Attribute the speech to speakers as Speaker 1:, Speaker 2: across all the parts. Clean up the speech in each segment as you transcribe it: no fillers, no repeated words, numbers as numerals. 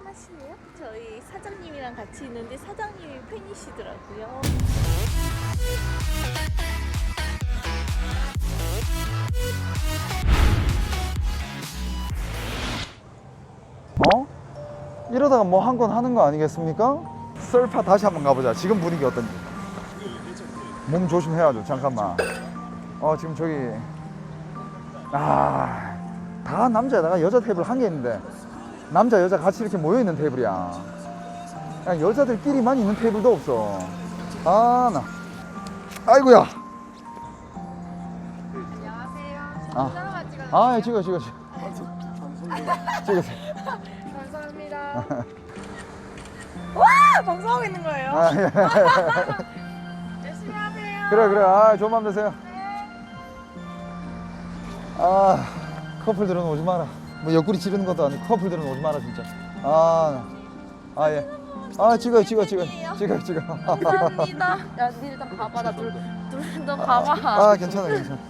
Speaker 1: 하시네요? 저희 사장님이랑 같이 있는데 사장님이 팬이시더라고요.
Speaker 2: 어? 이러다가 뭐 한 건 하는 거 아니겠습니까? 썰파 다시 한번 가보자. 지금 분위기 어떤지. 몸 조심해야죠. 잠깐만. 지금 저기 다 남자에다가 여자 테이블 한 개 있는데 남자 여자 같이 이렇게 모여있는 테이블이야. 그냥 여자들끼리만 있는 테이블도 없어. 나 아이고야.
Speaker 3: 안녕하세요.
Speaker 2: 예, 찍어 찍으세요.
Speaker 3: 감사합니다.
Speaker 1: 와! 방송하고 있는 거예요?
Speaker 3: 열심히 하세요.
Speaker 2: 그래. 좋은 밤 되세요. 커플들은 오지 마라. 뭐 옆구리 찌르는 것도 아니고 커플들은 오지 마라 진짜. 예. 찍어.
Speaker 1: 감사합니다. 야, 니 일단 봐봐. 나 너 봐봐.
Speaker 2: 괜찮아.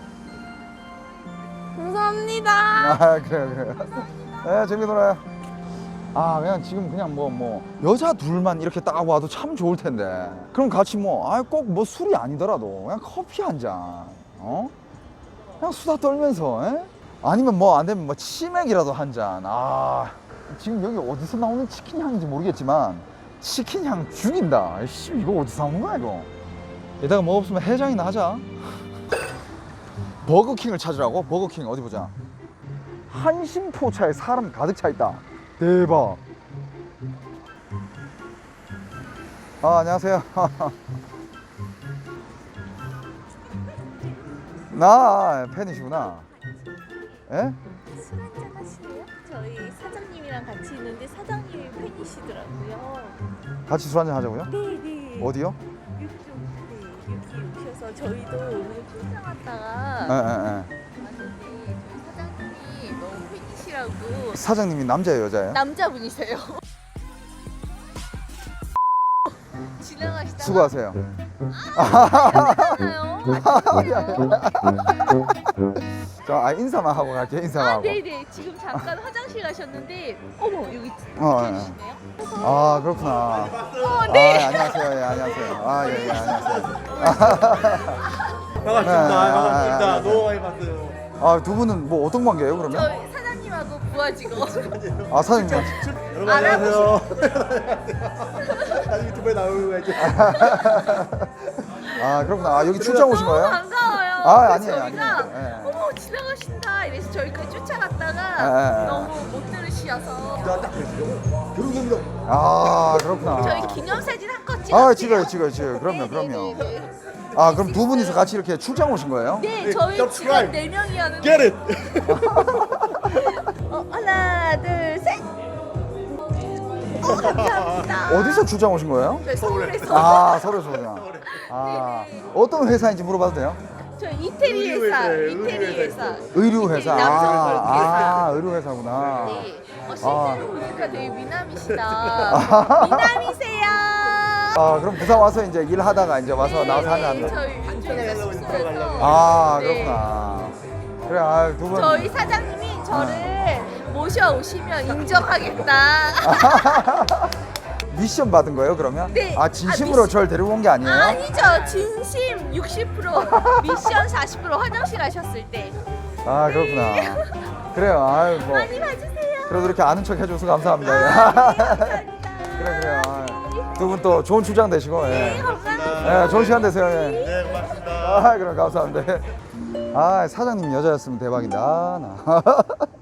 Speaker 1: 감사합니다.
Speaker 2: 그래. 재밌게 놀아요. 그냥 지금 그냥 뭐 여자 둘만 이렇게 딱 와도 참 좋을 텐데. 그럼 같이 꼭 뭐 술이 아니더라도 그냥 커피 한 잔. 그냥 수다 떨면서. 아니면 안 되면 치맥이라도 한 잔. 지금 여기 어디서 나오는 치킨 향인지 모르겠지만 치킨 향 죽인다. 이거 어디서 나오는 거야 이거. 이따가 뭐 없으면 해장이나 하자. 버거킹을 찾으라고? 버거킹 어디 보자. 한심포차에 사람 가득 차 있다. 대박. 안녕하세요. 나 팬이시구나. 예?
Speaker 1: 술 한잔 하시네요? 저희 사장님이랑 같이 있는데 사장님이 팬이시더라고요.
Speaker 2: 같이 술 한잔 하자고요?
Speaker 1: 네.
Speaker 2: 어디요?
Speaker 1: 여기 오셔서 저희도 오늘 출장 왔다가
Speaker 2: 예.
Speaker 1: 왔는데 저희 사장님이 너무 팬이시라고.
Speaker 2: 사장님이 남자예요, 여자예요?
Speaker 1: 남자분이세요. 지나가시다가
Speaker 2: 수고하세요. 저 인사만 하고 갈게요. 인사만 하고.
Speaker 1: 네네. 지금 잠깐 화장실 가셨는데 어머 여기
Speaker 2: 예.
Speaker 1: 계시네요.
Speaker 2: 그렇구나.
Speaker 1: 네.
Speaker 2: 안녕하세요. 예, 안녕하세요. 예, 안녕하세요.
Speaker 4: 반갑습니다. 너무 많이 봤어요.
Speaker 2: 두 분은 뭐 어떤 관계예요, 그러면?
Speaker 1: 저희 사장님하고 부하 직원.
Speaker 2: 사장님.
Speaker 4: 여러분 안녕하세요. 나중에 유튜브에 나오고 가야지.
Speaker 2: 그렇구나. 여기 출장 오신
Speaker 1: 너무
Speaker 2: 거예요?
Speaker 1: 반가워요.
Speaker 2: 아니에요,
Speaker 1: 저희가
Speaker 2: 아니에요. 예.
Speaker 1: 어머 지나가신다 이래서 저희까지 쫓아갔다가
Speaker 2: 예.
Speaker 1: 너무 못 들으셔서
Speaker 4: 딱 그랬어요. 결혼합니다.
Speaker 2: 그렇구나.
Speaker 1: 저희 기념사진 한 컷 찍었어요.
Speaker 2: 찍어요. 그럼요.
Speaker 1: 네네네.
Speaker 2: 그럼 두 분이서 같이 이렇게 출장 오신 거예요?
Speaker 1: 네, 저희 지금
Speaker 4: subscribe.
Speaker 1: 4명이었는데
Speaker 4: Get it.
Speaker 1: 하나 둘 셋. 감사합니다.
Speaker 2: 어디서 출장 오신 거예요?
Speaker 1: 저희 서울에서
Speaker 2: 서울에서 오구나. 어떤 회사인지 물어봐도 돼요?
Speaker 1: 저희 이태리 회사, 이태리 회사.
Speaker 2: 의류 회사.
Speaker 1: 남성
Speaker 2: 의류 회사구나.
Speaker 1: 네. 실제로 보니까 되게 미남이시다. 미남이세요.
Speaker 2: 그럼 부산 와서 이제 일하다가 이제 와서 나와서 하면
Speaker 1: 네,
Speaker 2: 안 돼.
Speaker 1: 저희 이쪽에서 숙소에서. 네.
Speaker 2: 그렇구나. 그래, 두 분.
Speaker 1: 저희 사장님이 저를 모셔오시면 인정하겠다.
Speaker 2: 미션 받은 거예요, 그러면?
Speaker 1: 네.
Speaker 2: 진심으로
Speaker 1: 미션.
Speaker 2: 절 데리고 온 게 아니에요?
Speaker 1: 아니죠. 진심 60%, 미션 40% 화장실 가셨을 때.
Speaker 2: 그렇구나. 그래요.
Speaker 1: 많이 봐주세요.
Speaker 2: 그래도 이렇게 아는 척 해줘서 감사합니다.
Speaker 1: 감사합니다.
Speaker 2: 그래요. 두 분 또 좋은 출장 되시고.
Speaker 1: 네, 감사합니다.
Speaker 2: 좋은 시간 되세요.
Speaker 4: 네, 고맙습니다.
Speaker 2: 그럼 감사합니다. 사장님 여자였으면 대박이다. 나.